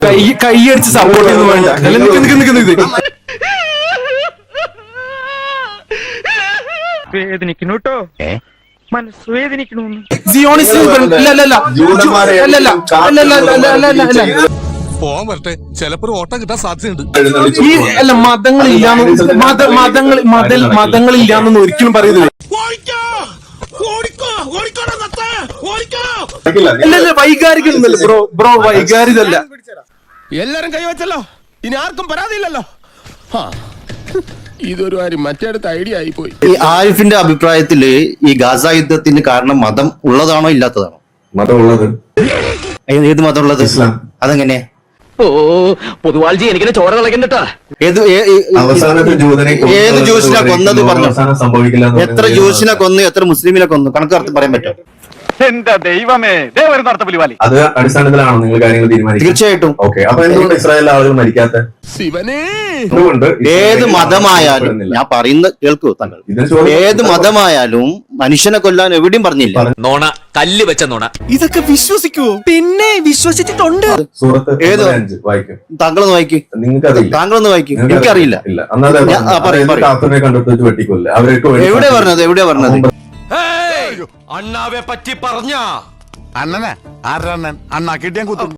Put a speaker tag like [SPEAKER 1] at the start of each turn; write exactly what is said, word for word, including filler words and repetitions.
[SPEAKER 1] കൈ കൈയടിച്ച് സപ്പോർട്ട് ചെയ്യുന്നു വേണ്ട.
[SPEAKER 2] വേദനിക്കണു കേട്ടോ, മനസ്സ് വേദനിക്കണു.
[SPEAKER 3] ചിലപ്പോ ഓട്ടം കിട്ടാൻ സാധ്യതയുണ്ട്.
[SPEAKER 1] ഈ അല്ല മതങ്ങളില്ലാന്ന് മത മതങ്ങൾ മത മതങ്ങളില്ലാന്നൊന്നും ഒരിക്കലും പറയുന്നില്ല. വൈകാരികല്ല ബ്രോ ബ്രോ വൈകാരികല്ല.
[SPEAKER 3] എല്ലാരും കൈവച്ചല്ലോ, ഇനി ആർക്കും പരാതിയില്ലല്ലോ. ഇതൊരു കാര്യം മറ്റേടത്ത് ഐഡിയ ആയി പോയി.
[SPEAKER 4] ഈ ആരിഫിന്റെ അഭിപ്രായത്തില് ഈ ഗാസ യുദ്ധത്തിന് കാരണം മതം ഉള്ളതാണോ ഇല്ലാത്തതാണോ?
[SPEAKER 5] മതം ഉള്ളത്.
[SPEAKER 4] ഏത് മതം ഉള്ളത്?
[SPEAKER 5] ഇസ്ലാം.
[SPEAKER 4] അതെങ്ങനെ?
[SPEAKER 6] ഓ പൊതുവാൾജി എനിക്കിനെ ചോര കളക്കണ്ടട്ടാ.
[SPEAKER 4] ഏത്
[SPEAKER 5] അവസാനത്തെ ജൂതനെ
[SPEAKER 4] ഏത് ജ്യൂസിനെ കൊന്നത് പറഞ്ഞു?
[SPEAKER 5] സംഭവിക്കില്ല.
[SPEAKER 4] എത്ര ജ്യൂസിനെ കൊന്നു, എത്ര മുസ്ലിമിനെ കൊന്നു? കണക്ക് കറക്റ്റ് പറയാൻ പറ്റും?
[SPEAKER 2] എന്റെ ദൈവമേ, ദേവരും നടത്തപ്പുലിവാലി.
[SPEAKER 5] അത് അടിസ്ഥാനത്തിലാണോ നിങ്ങൾ കാര്യങ്ങൾ തീരുമാനിക്കുന്നത്?
[SPEAKER 4] തീർച്ചയായിട്ടും.
[SPEAKER 5] ഓക്കെ, അപ്പൊ എന്തുകൊണ്ട് ഇസ്രായേലിലെ ആളുകൾ മരിക്കാത്ത? എന്തുകൊണ്ട്
[SPEAKER 4] ഏത് മതമായാലും ഞാൻ പറയുന്നത് കേൾക്കൂ താങ്കൾ. ഏത് മതമായാലും മനുഷ്യനെ കൊല്ലാൻ എവിടെയും പറഞ്ഞില്ല.
[SPEAKER 7] നോണ, കല്ല് വെച്ച നോണ.
[SPEAKER 1] ഇതൊക്കെ വിശ്വസിക്കുവോ? പിന്നെ വിശ്വസിച്ചിട്ടുണ്ട്.
[SPEAKER 5] സൂറത്ത്
[SPEAKER 4] ഏത്
[SPEAKER 5] വായിക്കും?
[SPEAKER 4] താങ്കളൊന്ന് വായിക്ക്.
[SPEAKER 5] നിങ്ങൾക്കറിയില്ല.
[SPEAKER 4] താങ്കളൊന്ന് വായിക്കും. എനിക്കറിയില്ല.
[SPEAKER 5] ഇല്ല, അന്നാതെ കണ്ടെത്തി വെട്ടിക്കൊല്ല. അവർക്ക്
[SPEAKER 4] എവിടെ പറഞ്ഞത്? എവിടെ പറഞ്ഞത്?
[SPEAKER 7] അണ്ണാവെ പറ്റി പറഞ്ഞ
[SPEAKER 3] അണ്ണനെ ആരണ്ണൻ അണ്ണാ കിട്ടിയാൻ കുത്തും.